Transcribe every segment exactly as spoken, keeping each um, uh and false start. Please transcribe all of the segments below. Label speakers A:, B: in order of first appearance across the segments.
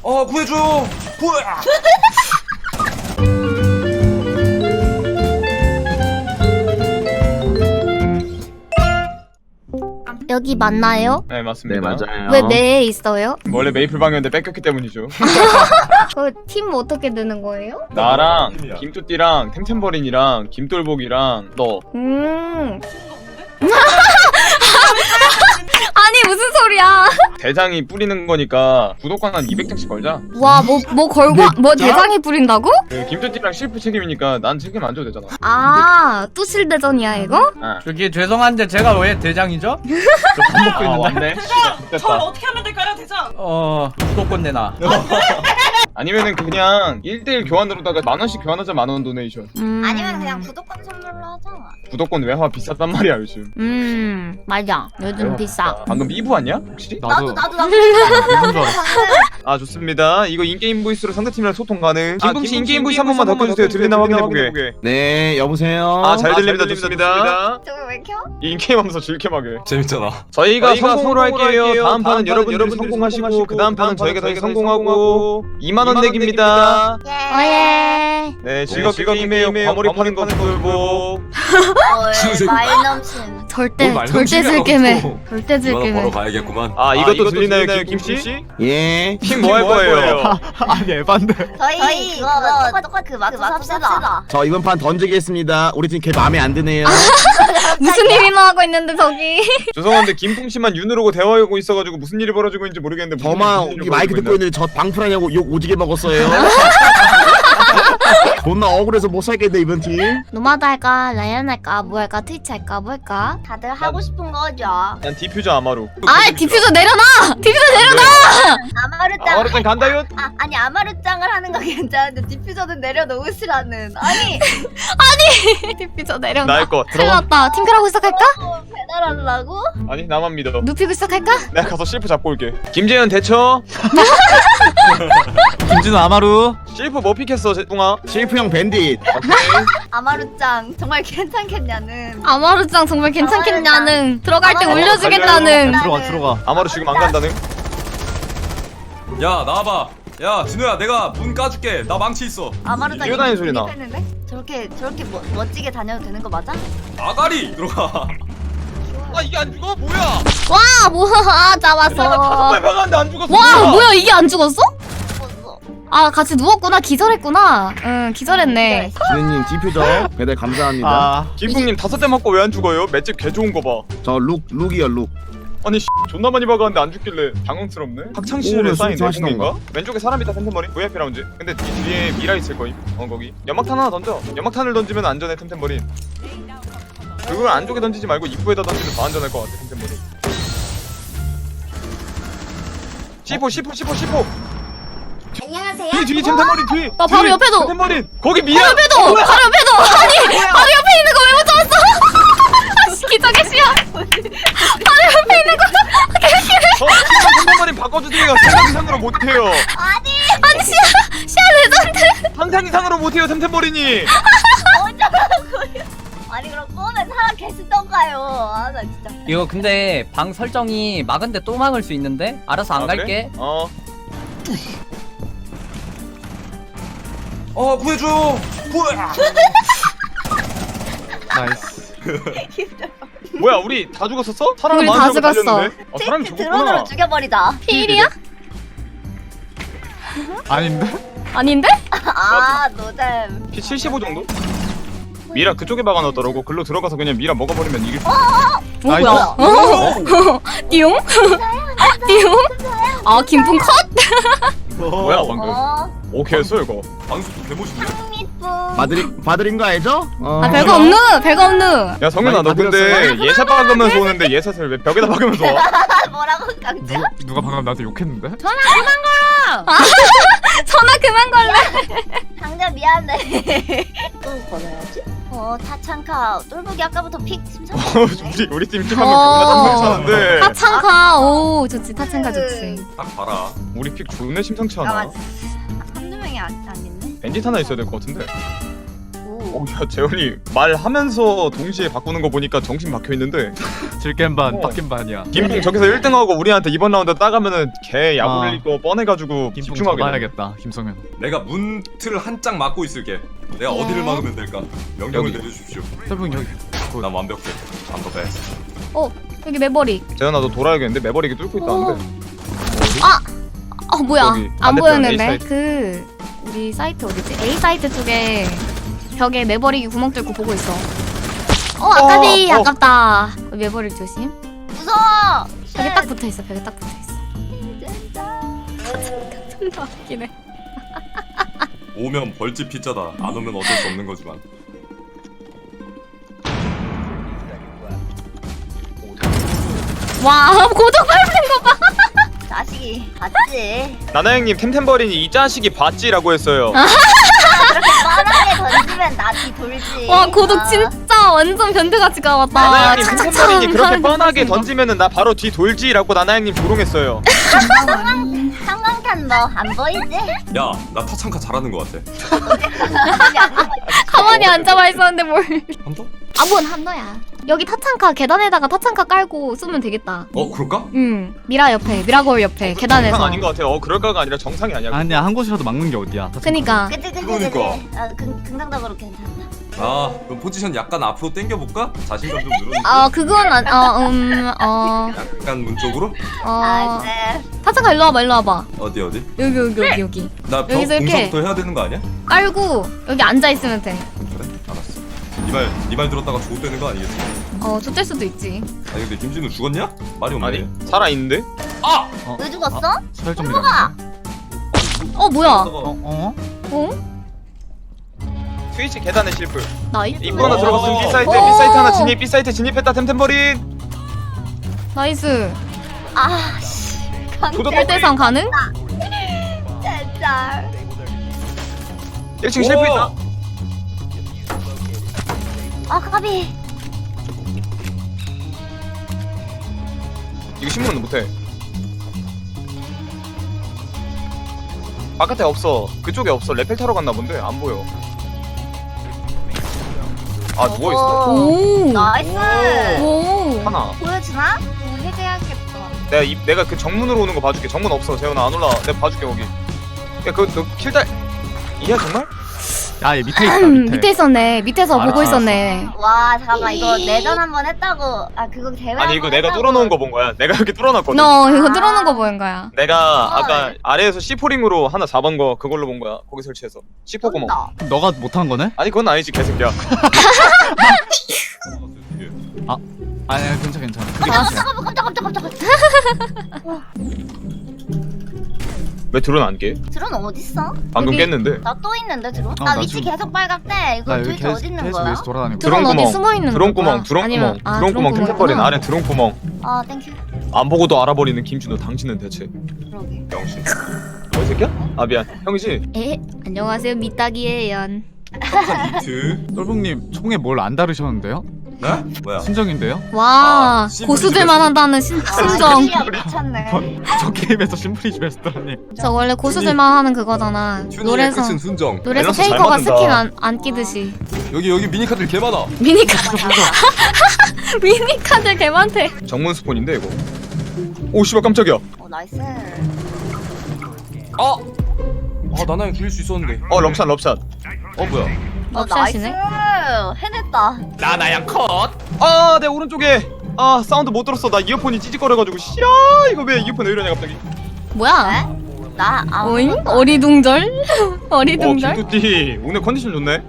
A: 어 구해줘. 구해.
B: 여기 맞나요?
C: 네 맞습니다.
D: 네 맞아요.
B: 왜 매에 있어요?
C: 원래 메이플 방이었는데 뺏겼기 때문이죠.
B: 그 팀 어떻게 되는 거예요?
C: 나랑 김뚜띠랑 템템버린이랑 김돌복이랑 너.
B: 음. 아니 무슨 소리야?
C: 대장이 뿌리는 거니까 구독권 한 이백 장씩 걸자.
B: 와 뭐 뭐 걸고 뭐 대장이 뿌린다고?
C: 그 김뚜띠랑 실프 책임이니까 난 책임 안 줘도 되잖아.
B: 아 뚜실대전이야 이거?
C: 아,
E: 저기 죄송한데 제가 왜 대장이죠? 저 밥 먹고
C: 아
E: 있는데.
C: 왔네.
F: 저
C: 됐다.
F: 어떻게 하면 될까요, 대장?
E: 어 구독권 내놔.
C: 아니면은 그냥 일 대일 교환으로다가 만 원씩 교환하자. 만 원 도네이션.
B: 음.
G: 아니면 그냥 구독권 선물로 하자.
C: 구독권 외화 비쌌단 말이야 요즘.
B: 음 맞아 요즘
C: 외화
B: 비싸.
C: 방금 이부 왔냐? 혹시?
G: 나도 나도 나도.
C: 아 좋습니다. 이거 인게임 보이스로 상대팀이랑 소통 가능. 김붕씨 인게임 보이스 한 번만 더 켜주세요. 들리나 확인해보게.
D: 네 여보세요.
C: 아 잘 들립니다. 좋습니다.
G: 저거 왜 켜?
C: 인게임 하면서 즐겜하게.
A: 재밌잖아.
C: 저희가,
A: 저희가
C: 성공으로
A: 성공으로
C: 할게요.
A: 할게요.
C: 다음 판은
A: 다음
C: 여러분들이
A: 판은
C: 성공하시고
A: 성공하시고
C: 그 다음 판은
A: 다음
C: 저희가
A: 판은
C: 다시
A: 저희가
C: 성공하고 이만 원 내기입니다.
G: 예.
B: 어예.
C: 네 즐겁게 게임해요. 과몰입 하는 거 돌보.
G: 어이 말 넘친.
B: 절대
A: 말
B: 절대
A: 넘치게
B: 즐겜해.
A: 하고
B: 절대
A: 이거 하나
B: 즐겜해.
A: 보러 가야겠구만.
C: 아 이것도 들리나요 김씨?
D: 예.
C: 핑 뭐 할 거예요?
E: 아니 에반데.
G: 저희, 저희 그거 뭐 똑같 그 맞춰 삽시다.
D: 저 이번 판 던지겠습니다. 우리 팀 걔 마음에 안 드네요.
B: 무슨 일이나 하고 있는데 저기.
C: 죄송한데 김풍씨만 윤으로고 대화하고 있어가지고 무슨 일이 벌어지고 있는지 모르겠는데 무슨
D: 저만
C: 일이
D: 우리 마이크
C: 벌어지고
D: 듣고 있는데 저 방풀하냐고 욕 오지게 먹었어요. 존나 억울해서 못 살겠네 이번 팀.
B: 노마드 할까 라이언 할까 뭐 할까 트위치 할까 뭐 할까?
G: 다들 하고 싶은 거죠.
C: 난 디퓨저 아마루.
B: 아 디퓨저 내려놔. 디퓨저 내려놔.
G: 아마루짱.
C: 아마루짱 간다요?
G: 아 아니 아마루짱을 하는 거 괜찮은데 디퓨저는 내려놓으시라는. 아니
B: 디퓨저 내려놔.
C: 나일 거
B: 큰일
C: 들어가.
B: 났다. 팀크라고 시작할까?
G: 어, 배달하려고?
C: 아니 나만 믿어.
B: 눕히고 시작할까?
C: 내가 가서 실프 잡고 올게. 김재현 대처.
E: 김진우 아마루.
C: 실프 뭐 픽했어 제동아?
D: 실프 형 밴딧.
G: 아마루짱 정말 괜찮겠냐는.
B: 아마루짱 정말 괜찮겠냐는. 들어갈 때
G: 아마루-
B: 올려주겠다는.
E: 들어가 들어가.
C: 아마루 지금 안 간다는?
A: 야 나와봐. 야 진우야 내가 문 까줄게. 나 망치 있어.
G: 아마루짱
C: 뛰어다니는 소리 나.
G: 했는데? 저렇게 저렇게 멋, 멋지게 다녀도 되는 거 맞아?
A: 아가리 들어가.
C: 아 이게 안 죽어? 뭐야?
B: 와 뭐야
C: 다섯
B: 잡았어.
C: 발 박았는데 안 죽었어.
B: 와 뭐야 이게 안 죽었어?
G: 죽었어.
B: 아 같이 누웠구나. 기절했구나. 응 기절했네.
D: 지은님 디퓨저 배달 감사합니다.
E: 아
C: 김풍님 다섯 대 맞고 왜 안 죽어요? 맷집 개 좋은 거 봐.
D: 저 룩 룩이요 룩.
C: 아니 씨, 존나 많이 박았는데 안 죽길래 당황스럽네. 학창시절에
D: 오늘
C: 쌓인
D: 수술
C: 내공인가? 왼쪽에 사람 있다 템템머리 브이아이피 라운지. 근데 이 뒤에 미라 있을 거임. 어 거기 연막탄 하나 던져. 연막탄을 던지면 안전해 템템머리. 그걸 안쪽에 던지지 말고 입구에다 던지면 더 안전할 것 같아 템템머리. 씨포 씨포 씨포 씨포.
G: 안녕하세요.
C: 뒤 뒤 템템머리 뒤.
B: 어, 바로
C: 뒤,
B: 옆에도.
C: 템템머리 거기 미라.
B: 바로 옆에도 바로 옆에도 아니 바로 옆에 있는 거 왜 못 잡았어? 아씨 기적의 시야. 바로 옆에 있는 거.
C: 저 템템머리 바꿔주세요. 상상 이상으로 못해요.
B: 아니 시야 시야 레전드.
C: 상상 이상으로 못해요 템템머리니.
G: 어쩌라고요? 아니 그럼 꺼내 사람 계시던가요? 아 나 진짜.
E: 이거 근데 방 설정이 막은데 또 막을 수 있는데 알아서 안
C: 아,
E: 갈게.
C: 그래? 어.
A: 어 구해줘. 구해.
E: 나이스.
C: 뭐야 우리 다 죽었었어? 사람
B: 우리 다
C: 많은 사람
B: 죽었어.
C: 걸렸는데? 아, 사람이
G: 드론으로
C: 죽었구나.
G: 죽여버리자.
B: 필이야?
E: 아닌데?
B: 아닌데?
G: 아 노잼.
C: 피 칠십오 정도? 미라 그쪽에 박아놨더라고. 글로 들어가서 그냥 미라 먹어버리면 이길 수 있어.
B: 어 뭐야? 어? 띠용? 띠용? 아 김풍 컷?
C: 뭐야 방금.
G: 어.
C: 오케이였어 이거.
A: 방수도 개멋있네.
G: 미쁘.
D: 받으린 받으린 거 알죠? 어.
B: 아 별거 없누 별거 없누.
C: 야 성현아
D: 많이
C: 너 근데 예샷 박으면서 오는데 예샷을 왜 벽에다 박으면서 와?
G: 뭐라고 강제?
H: 누가 방금 나한테 욕했는데?
B: 전화 그만 걸래.
G: 강제 미안해. 또 걸어야지. 어 타창카 똘보기 아까부터 픽 심상찮네.
C: 우리 우리 팀 픽 한명 존나 심상찮은데
B: 타창카 오 좋지 타창카 좋지.
A: 딱 봐라.
C: 우리 픽 존나 심상치
G: 아
C: 않아.
G: 맞. 한두 명이 안, 안 있네.
C: 벤짓 하나 있어야 될 것 같은데.
G: 오.
C: 어, 야, 재현이 말하면서 동시에 바꾸는 거 보니까 정신 박혀 있는데.
F: 질겜 반,
C: 어.
F: 빡겜 반이야.
C: 김풍 저기서 일 등하고 우리한테 이번 라운드 따가면은 개
F: 아.
C: 야구를 거 뻔해가지고
F: 김풍
C: 집중하게. 돼.
F: 잡아야겠다, 김성현.
A: 내가 문틀을 한 짝 막고 있을게. 내가
B: 예.
A: 어디를 막으면 될까? 명령을
C: 여기.
A: 내려주십시오.
F: 썰풍 여기.
A: 난 완벽해. I'm the best.
B: 어 여기 매버릭.
C: 재현아 너 돌아야겠는데 매버릭이 뚫고 있다는데.
B: 아 뭐야
C: 여기
B: 안
C: 반대편 A
B: 보였는데
C: 사이트.
B: 그 우리 사이트 어디지? A 사이트 쪽에 벽에 매버릭이 구멍 뚫고 보고 있어. 어 아까비
C: 어, 어.
B: 아깝다. 매버릭 조심.
G: 무서워.
B: 벽에 딱 붙어 있어. 벽에 딱 붙어 있어.
G: 진짜.
B: 존나 웃기네.
A: 오면 벌집 피자다. 안 오면 어쩔 수 없는 거지만.
B: 와 고독 밟는 거 봐.
G: 자식이 봤지.
C: 나나 형님 템템버린이 이 자식이 봤지라고 했어요.
G: 그렇게 뻔하게 던지면 나뒤 돌지.
B: 와 고독
G: 아.
B: 진짜 완전 변태같이 가왔다.
C: 나나 형님
B: 착착착
C: 템템버린이 그렇게
B: 하는 거
C: 뻔하게
B: 보신 거.
C: 던지면은 나 바로 뒤 돌지라고 나나 형님 조롱했어요.
G: 형광 형광탄 너 안 보이지?
A: 야, 나 타창카 잘하는 거 같아.
G: 거기 안 보여.
B: 가만히 앉아봐 있었는데 뭘?
A: 한 더?
B: 아뭔 한너야. 여기 타창카 계단에다가 타창카 깔고 쏘면 되겠다.
A: 어, 그럴까?
B: 응 미라 옆에 미라 거울 옆에 계단에서.
C: 정상 아닌 것 같아요. 어 그럴까가 아니라 정상이 아니야.
F: 아니야, 한 곳이라도 막는 게 어디야.
B: 그니까
G: 그치 그치
A: 그러니까.
G: 그치. 아 긍, 긍정적으로 괜찮다.
A: 아, 그럼 포지션 약간 앞으로 당겨볼까? 자신감 좀 늘어주고.
B: 어 그건 안어음어
A: 약간 문 쪽으로?
G: 아
B: 어
G: 이제
B: 타창카 일로 와봐 일로 와봐.
A: 어디 어디?
B: 여기 여기 여기 여기
A: 나 벽
B: 여기서 이렇게.
A: 공사부터 해야 되는 거 아니야?
B: 깔고 여기 앉아 있으면 돼.
A: 그래, 알았어. 니말니말 들었다가 죽었다는 거 아니겠지?
B: 어 좋될 수도 있지.
A: 아니 근데 김진우 죽었냐? 말이 없네.
C: 아니 살아 있는데.
A: 아!
G: 왜 죽었어?
F: 서열점이라는
B: 어 뭐야?
F: 어? 어?
B: 어?
C: 트위치 계단에 실프.
B: 나이스.
C: 입구 하나 들어갔으면 B 사이트,
B: 오.
C: B 사이트 하나 진입, B 사이트 진입했다 템템버린.
B: 나이스.
G: 아씨.
C: 도덕
B: 일 대 삼 가능?
G: 진짜.
C: 일 층 실프 있다.
G: 아 까비.
C: 이거 신문은 못해. 바깥에 없어. 그쪽에 없어. 레펠 타러 갔나 본데 안 보여. 아 누워 있어.
B: 오.
G: 나이스.
B: 오.
C: 하나.
G: 보여주나? 오, 해제해야겠다.
C: 내가 이, 내가 그 정문으로 오는 거 봐줄게. 정문 없어. 재현아 안 올라. 내가 봐줄게 거기. 야 그너 킬달. 이야 정말?
F: 야, 얘 밑에 있다,
B: 음,
F: 밑에.
B: 밑에 있었네. 밑에서
F: 알았어,
B: 보고 있었네.
G: 와 잠깐만 이거 내전 한번 했다고. 아 그거 대회.
C: 아니 이거
G: 한번
C: 내가
G: 했다고.
C: 뚫어놓은 거 본 거야. 내가 이렇게 뚫어놨거든.
B: 너 이거
G: 아.
B: 뚫어놓은 거 보인 거야.
C: 내가 아까 아래에서 씨포링으로 하나 잡은 거 그걸로 본 거야. 거기 설치해서. 씨포 구멍.
G: 쩐다.
F: 너가 못한 거네?
C: 아니 그건 아니지 개새끼야.
F: 아니야, 괜찮아, 괜찮아. 그게
B: 아,
F: 괜찮아.
G: 깜짝 깜짝 깜짝 깜짝.
C: 왜 드론 안 깨?
G: 드론 어딨어?
C: 방금
B: 여기-
C: 깼는데.
G: 나 또 있는데 드론?
F: 어,
G: 나
F: 나
G: 위치
F: 지금-
G: 계속 빨갛대. 이거
F: 나 여기
G: 도대체
F: 계속,
G: 어디 있는
F: 계속
G: 거야?
F: 여기서 돌아다니고.
B: 드론 어디
C: 구멍,
B: 숨어 있는
C: 드론
B: 거야?
C: 구멍, 드론
B: 아니면-
C: 구멍,
B: 아,
C: 드론 구멍,
B: 구멍이구나.
C: 템템버린 아래 드론 구멍.
G: 아 땡큐.
C: 안 보고도 알아버리는 김준호, 당신은 대체
G: 그러게.
A: 영신.
C: 뭐 새끼야? 아 미안, 형이지?
B: 에 안녕하세요 미딱이에요.
A: 착한 니트.
F: 똘봉님 총에 뭘 안 다루셨는데요?
A: 네? 뭐야?
F: 순정인데요?
B: 와
A: 아, 심플이
B: 고수들만
A: 집에서.
B: 한다는 신,
G: 아,
B: 순정.
G: 시야 미쳤네.
F: 저 게임에서 심플이 집에서다니.
B: 저 원래 고수들만 하는 그거잖아.
A: 튜닝의
B: 노래서
A: 끝은 순정.
B: 노래서
C: 밸런스 잘
B: 페이커가
C: 맞는다.
B: 스킨 안, 안 끼듯이
A: 여기 여기 미니카들 개 많아.
B: 미니카드 미니카드 개 많대.
C: 정문 스폰인데 이거. 오 씨발 깜짝이야.
G: 어 나이스.
A: 아! 아 나나야 기를 수 있었는데.
C: 어 럽샷 럽샷.
A: 어 뭐야?
G: 어 나이스.
B: 럽샷이네.
G: 해냈다.
A: 나나야 컷.
C: 아 내 오른쪽에 아 사운드 못 들었어. 나 이어폰이 찌직거려가지고 씨야 이거 왜 이어폰 왜 이러냐 갑자기.
B: 뭐야?
G: 네? 나 아.
B: 오잉? 어리둥절?
C: 어
B: 어리둥절?
C: 김뚜띠 오늘 컨디션 좋네.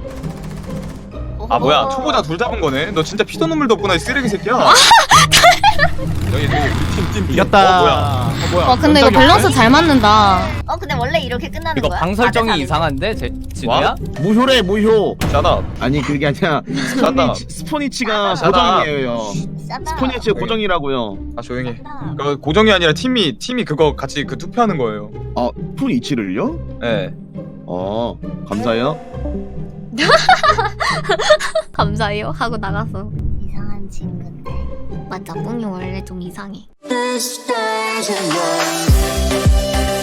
C: 아 뭐야 초보자 둘 잡은 거네. 너 진짜 피도 눈물도 없구나 이 쓰레기 새끼야.
A: 여기 팀팀
F: 이겼다.
C: 어 뭐야? 어 뭐야?
B: 와 근데 이거
F: 연장이
B: 밸런스 잘 맞는다.
G: 어 근데 원래 이렇게 끝나는
E: 이거
G: 거야?
E: 방 설정이
G: 아, 네,
E: 이상한데, 제, 진우야?
D: 무효래 무효.
C: 샤다.
D: 아니 그게 아니라
C: 샤다.
D: 스포니치, 스포니치가
C: 샤다.
D: 고정이에요.
G: 짜다.
D: 스포니치가 고정이라고요.
C: 아 조용히 해.
G: 짜다.
C: 그 고정이 아니라 팀이 팀이 그거 같이 그 투표하는 거예요.
D: 어 스포니치를요?
C: 예.
D: 어 감사해요.
B: 감사해요 하고 나갔어.
G: 이상한 친구인데.
B: 맞아 뿡이 원래 좀 이상해.
H: This stage of love.